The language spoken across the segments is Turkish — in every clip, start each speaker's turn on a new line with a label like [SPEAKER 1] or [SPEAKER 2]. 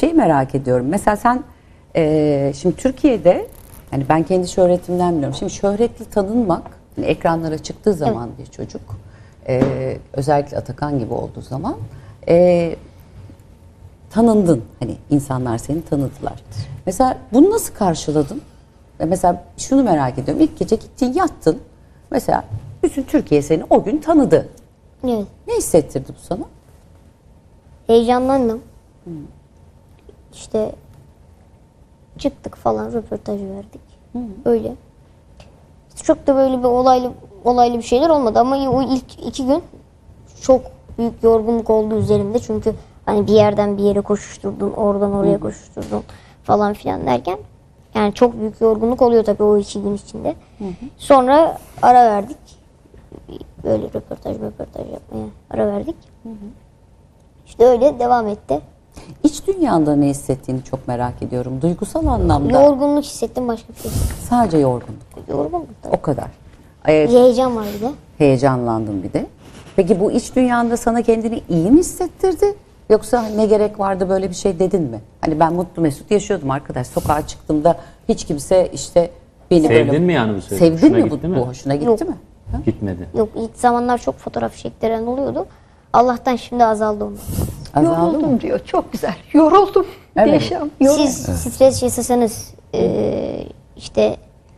[SPEAKER 1] şeyi merak ediyorum. Mesela sen şimdi Türkiye'de, yani ben kendi şöhretimden biliyorum. Şimdi şöhretli tanınmak, hani ekranlara çıktığı zaman bir çocuk, özellikle Atakan gibi olduğu zaman tanındın. Hani insanlar seni tanıdılar. Mesela bunu nasıl karşıladın? Mesela şunu merak ediyorum. İlk gece gittin, yattın. Mesela bütün Türkiye seni o gün tanıdı.
[SPEAKER 2] Evet.
[SPEAKER 1] Ne hissettirdi bu sana?
[SPEAKER 2] Heyecanlandım. İşte çıktık falan, röportaj verdik. Öyle. Çok da böyle bir olaylı bir şeyler olmadı ama o ilk 2 gün çok büyük yorgunluk oldu üzerimde. Çünkü hani bir yerden bir yere koşuşturdun, oradan oraya koşuşturdun falan filan derken yani çok büyük yorgunluk oluyor tabii o 2 gün içinde. Sonra ara verdik. Böyle röportaj yapmaya ara verdik. İşte öyle devam etti.
[SPEAKER 1] İç dünyanda ne hissettiğini çok merak ediyorum. Duygusal anlamda.
[SPEAKER 2] Yorgunluk hissettim, başka bir şey hissettim.
[SPEAKER 1] Sadece yorgunluk.
[SPEAKER 2] Yorgunluk tabii.
[SPEAKER 1] O kadar.
[SPEAKER 2] Heyecan var bir de.
[SPEAKER 1] Heyecanlandın bir de. Peki bu iç dünyanda sana kendini iyi mi hissettirdi? Yoksa ne gerek vardı, böyle bir şey dedin mi? Hani ben mutlu mesut yaşıyordum arkadaş. Sokağa çıktığımda hiç kimse işte beni
[SPEAKER 3] Sevdin
[SPEAKER 1] böyle...
[SPEAKER 3] mi yani bu sözü?
[SPEAKER 1] Sevdin
[SPEAKER 3] Hoşuna
[SPEAKER 1] mi
[SPEAKER 3] gitti
[SPEAKER 1] bu?
[SPEAKER 3] mi?
[SPEAKER 1] Hoşuna gitti
[SPEAKER 2] Yok.
[SPEAKER 1] mi? Ha?
[SPEAKER 3] Gitmedi.
[SPEAKER 2] Yok, ilk zamanlar çok fotoğraf çektiren oluyordu. Allah'tan şimdi azaldı onlar.
[SPEAKER 1] Azaldı mı?
[SPEAKER 4] Yoruldum diyor. Çok güzel. Yoruldum.
[SPEAKER 1] Evet.
[SPEAKER 4] Yaşam. Yoruldum.
[SPEAKER 2] Siz stres yaşasanız işte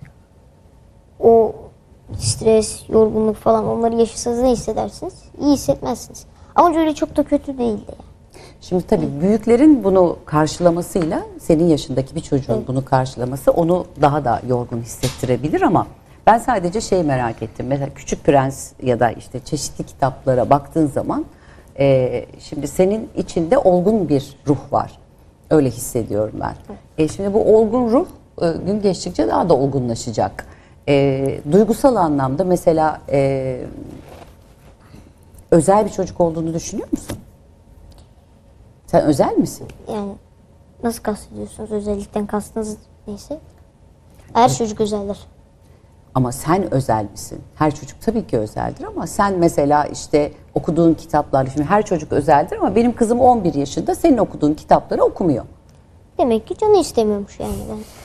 [SPEAKER 2] o stres, yorgunluk falan onları yaşasanız ne hissedersiniz? İyi hissetmezsiniz. Ama öyle çok da kötü değildi. Yani.
[SPEAKER 1] Şimdi tabii büyüklerin bunu karşılamasıyla senin yaşındaki bir çocuğun bunu karşılaması onu daha da yorgun hissettirebilir ama ben sadece şey merak ettim. Mesela Küçük Prens ya da işte çeşitli kitaplara baktığın zaman şimdi senin içinde olgun bir ruh var. Öyle hissediyorum ben. Şimdi bu olgun ruh gün geçtikçe daha da olgunlaşacak. Duygusal anlamda mesela özel bir çocuk olduğunu düşünüyor musun? Sen özel misin?
[SPEAKER 2] Yani nasıl kastediyorsunuz? Özellikten kastınız neyse. Her çocuk özeldir.
[SPEAKER 1] Ama sen özel misin? Her çocuk tabii ki özeldir ama sen mesela işte okuduğun kitaplar, şimdi her çocuk özeldir ama benim kızım 11 yaşında senin okuduğun kitapları okumuyor.
[SPEAKER 2] Demek ki canı istemiyormuş yani. Ben